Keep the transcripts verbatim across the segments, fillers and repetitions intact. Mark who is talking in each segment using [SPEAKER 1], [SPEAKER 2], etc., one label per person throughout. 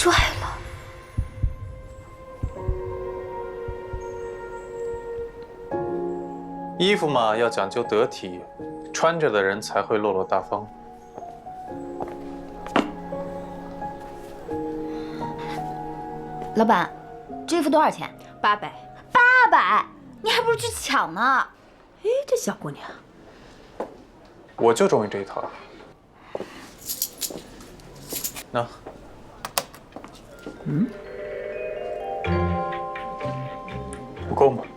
[SPEAKER 1] 帅了。
[SPEAKER 2] 衣服嘛，要讲究得体，穿着的人才会落落大方。
[SPEAKER 1] 老板，这衣服多少钱？
[SPEAKER 3] 八百。
[SPEAKER 1] 八百？你还不如去抢呢。
[SPEAKER 3] 哎，这小姑娘，
[SPEAKER 2] 我就中意这一套。那，
[SPEAKER 3] 嗯，
[SPEAKER 2] 不够吗？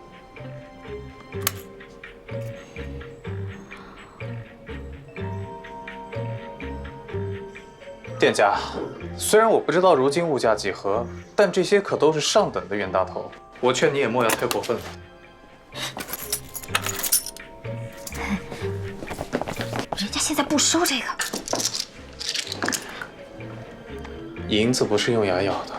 [SPEAKER 2] 店家，虽然我不知道如今物价几何，但这些可都是上等的冤大头，我劝你也莫要太过分了。
[SPEAKER 1] 人家现在不收这个，
[SPEAKER 2] 银子不是用牙咬的。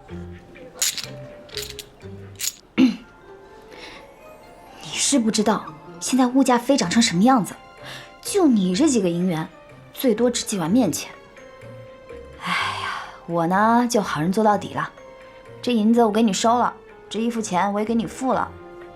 [SPEAKER 1] 你是不知道现在物价飞涨成什么样子，就你这几个银元，最多值几碗面钱。哎呀，我呢就好人做到底了，这银子我给你收了，这衣服钱我也给你付了。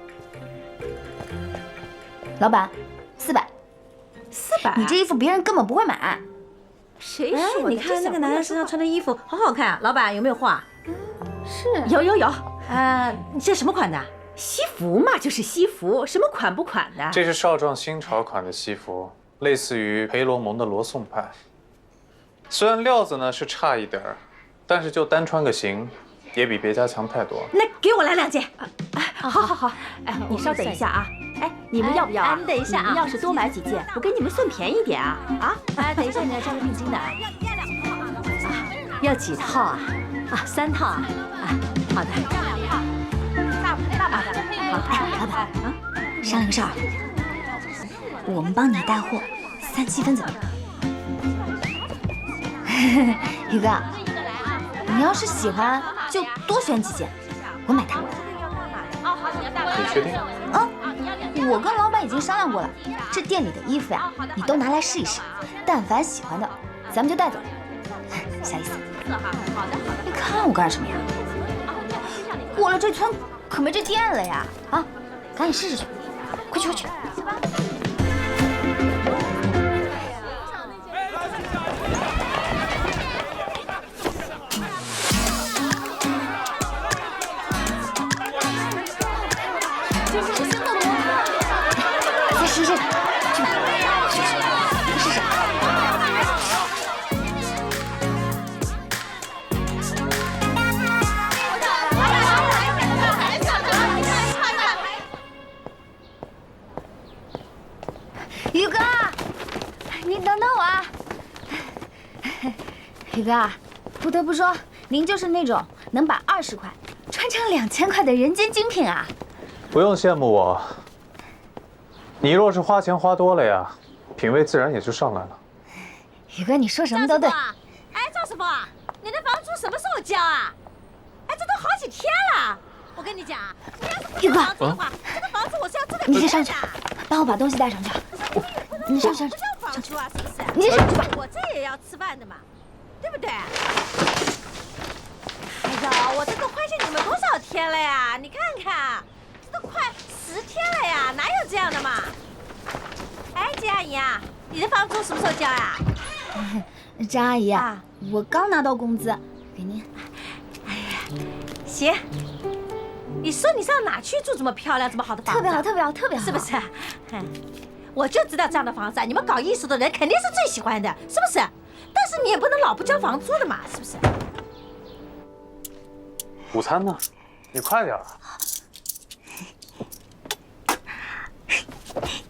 [SPEAKER 1] 老板，四百。
[SPEAKER 3] 四百？
[SPEAKER 1] 你这衣服别人根本不会买。
[SPEAKER 3] 谁说的？你看那个男人身上穿的衣服好好看啊！老板有没有货啊？
[SPEAKER 1] 是，
[SPEAKER 3] 有有有。呃，你这什么款的？西服嘛，就是西服，什么款不款的？
[SPEAKER 2] 这是少壮新潮款的西服，类似于培罗蒙的罗宋派。虽然料子呢是差一点儿，但是就单穿个型，也比别家强太多。
[SPEAKER 3] 那给我来两件。好好好，哎，你稍等一下啊。哎，你们要不要啊？
[SPEAKER 4] 你等一下啊！
[SPEAKER 3] 你们要是多买几件，我给你们算便宜点啊！啊，
[SPEAKER 4] 哎，等一下，你要交个定金的啊！
[SPEAKER 3] 要几套啊？啊，三套啊！啊，好的。
[SPEAKER 4] 大大把的。
[SPEAKER 1] 好，哎，老板啊，商量个事儿，我们帮你带货，三七分怎么样？宇哥，你要是喜欢，就多选几件，我买单。
[SPEAKER 2] 你确定？
[SPEAKER 1] 啊，我跟老板已经商量过了，这店里的衣服呀，你都拿来试一试，但凡喜欢的，咱们就带走。啥意思？你看我干什么呀？过了这村可没这店了呀！啊，赶紧试试去，快去快去！再试试，去吧，去去，再试试。宇哥，你等等我啊！宇哥，不得不说，您就是那种能把二十块穿成两千块的人间精品啊！
[SPEAKER 2] 不用羡慕我，你若是花钱花多了呀，品味自然也就上来了。
[SPEAKER 1] 宇哥，你说什么都对。
[SPEAKER 4] 哎，赵师傅，你的房租什么时候交啊？哎，这都好几天了。我跟你讲，你要是不交房租的话，这个房子我是要住在
[SPEAKER 1] 你先上去，
[SPEAKER 4] 的。
[SPEAKER 1] 帮我把东西带上去。你上去上去，
[SPEAKER 4] 不交房租啊，是不是？
[SPEAKER 1] 你先上去吧。
[SPEAKER 4] 我这也要吃饭的嘛，对不对？哎呀，我这都快见你们多少天了呀？你看看，这都快十天了呀，哪有这样的嘛？哎，金阿姨啊，你的房租什么时候交呀？
[SPEAKER 1] 张阿姨
[SPEAKER 4] 啊，
[SPEAKER 1] 我刚拿到工资，给您。
[SPEAKER 4] 哎呀，行。你说你上哪去住这么漂亮、这么好的房子？
[SPEAKER 1] 特别好，特别好，特别好，
[SPEAKER 4] 是不是？嗯，我就知道这样的房子，你们搞艺术的人肯定是最喜欢的，是不是？但是你也不能老不交房租的嘛，是不是？
[SPEAKER 2] 午餐呢？你快点啊！